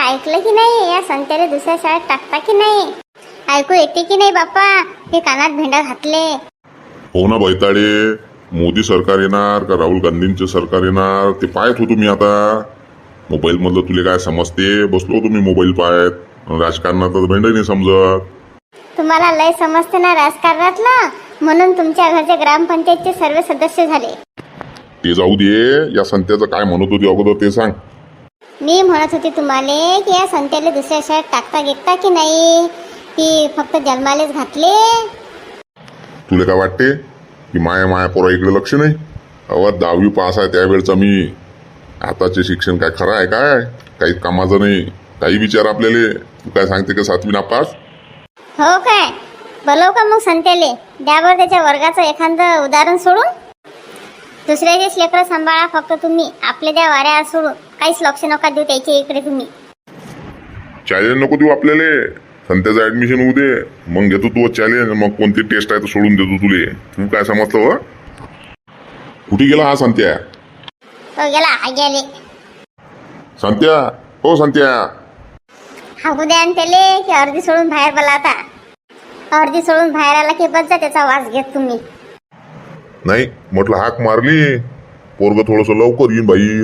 ऐकलं की नाही? या संत्याला दुसऱ्या शाळेत टाकता की नाही? ऐकू येते की नाही बाप्पा? हे कानात भेंडा घातले. हो ना बैताडे, मोदी सरकार येणार का राहुल गांधींचे सरकार येणार ते पाहत होतो मी. आता मोबाईल मधलं तुले काय समजते? बसलो होतो मी मोबाईल पाहत. राजकारणात भेंड नाही समजत. तुम्हाला लय समजते ना राजकारणातलं, म्हणून तुमच्या घरचे ग्रामपंचायतचे सर्व सदस्य झाले. ते जाऊ दे, या संत्याचं काय म्हणत होती अगोदर ते सांग. मी म्हणत होते तुम्हाला की या संत्याला दुसऱ्या शाळेत टाकता घेता की नाही, की फक्त जन्मालेच घातले. तुला काय वाटते की माया पोरा इकडे लक्ष नाही? अहो 10वी पास आहे त्यावेळचा मी. आताचे शिक्षण काय खरं आहे काय? काही कामाचं नाही. काही विचार आपल्याला. तू काय सांगते का 7वी नापास? हो काय? बोलव का मग संत्याले? द्या बरं त्याच्या वर्गाचं एखादं उदाहरण सोडून. दुसऱ्याचेच लेकरं सांभाळा फक्त तुम्ही, आपल्या द्या वाऱ्या सोडून. काहीच लक्ष नका देऊ त्याच्या इकडे तुम्ही. चॅलेंज नको देऊ आपल्याला. संत्याचं ऍडमिशन होऊ दे, मग घेतो तू चॅलेंज. मग कोणती टेस्ट आहे तर सोडून देतो तुले. तू काय समजतो? हो कुठे गेला हा संत्या? तो गेला गेले. संत्या, हो संत्या. हागू द्या आणि त्याले की अर्धी सोडून बाहेर बोला. आता अर्धी सोडून बाहेर आला की बस जा, त्याचा वास घेत तुम्ही. नाही म्हटलं हाक मारली, पोरग थोडस लवकर येईन बाहेर.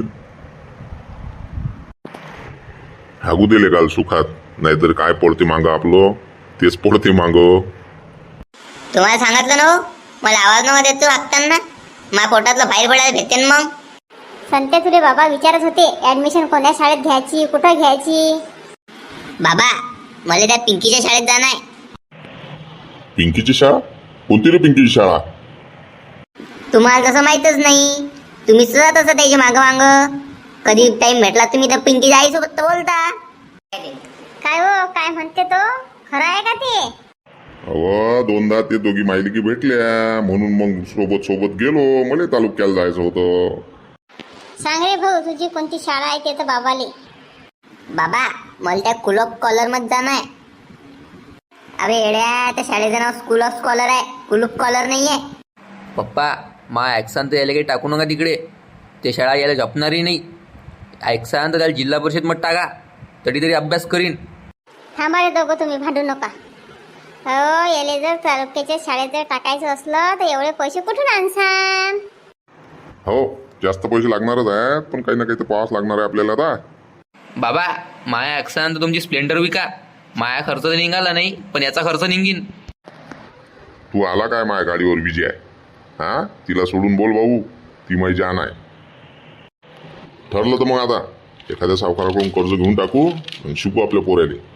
हागू दिले काल सुखात, नाहीतर काय पडते मागं आपलं तेच पडते मागं. तुम्हाला सांगितलं ना हो, मला आवाज नव्हता देतो हाकताना. माझ्या पोटातलं बाहेर पडायला भेटते ना मग. संत्या तुले बाबा विचारत होते ऍडमिशन कोणत्या शाळेत घ्यायची, कुठं घ्यायची. बाबा मला त्या पिंकीच्या शाळेत जाणं आहे. पिंकीची शाळा? कोणती रे पिंकीची शाळा? तुम्हाला तसं माहीतच नाही. तुम्हीच जात असता त्याच्या मागं मागं. कधी टाइम भेटला तुम्ही तर पिंकीच्या आईसोबत तर बोलता. काय हो, काय म्हणते तो? खरं आहे का ते? अहो दोनदा ते दोघी मायलिकी भेटल्या म्हणून मग सोबत गेलो. मला तालुक्याला जायचं होतं. सांग रे भाऊ, तुझी कोणती शाळा आहे ते तर बाबाले. बाबा मला त्या स्कूल ऑफ स्कॉलर मध्ये जाणं आहे. अरे येड्या, त्या शाळेचं नाव स्कूल ऑफ स्कॉलर आहे, स्कूल ऑफ स्कॉलर नाही आहे. पप्पा मा ॲक्सान तर यायला काही टाकू नका तिकडे. ते शाळा यायला झपणारही नाही. ॲक्सान तर त्याला जिल्हा परिषद मध्ये टाका, तरी अभ्यास करीन. थांबा रे दोघं, तुम्ही भांडू नका. हो, याले जर तालुक्याच्या शाळेत जर टाकायचं असलं तर एवढे पैसे कुठून आणसान? हो जास्त पैसे लागणारच आहेत, पण काही ना काही तर पाहावंच लागणार आहे आपल्याला. आता बाबा माया ॲक्सान तर तुमची स्प्लेंडर विका. माया खर्च तर निघाला नाही, पण याचा खर्च निघीन. तू आला काय माझ्या गाडीवर विजय? हा तिला सोडून बोल भाऊ, ती माझी जान आहे. ठरलं तर मग आता एखाद्या सावकाराकडून कर्ज घेऊन टाकू आणि शिकू आपल्या पोराले.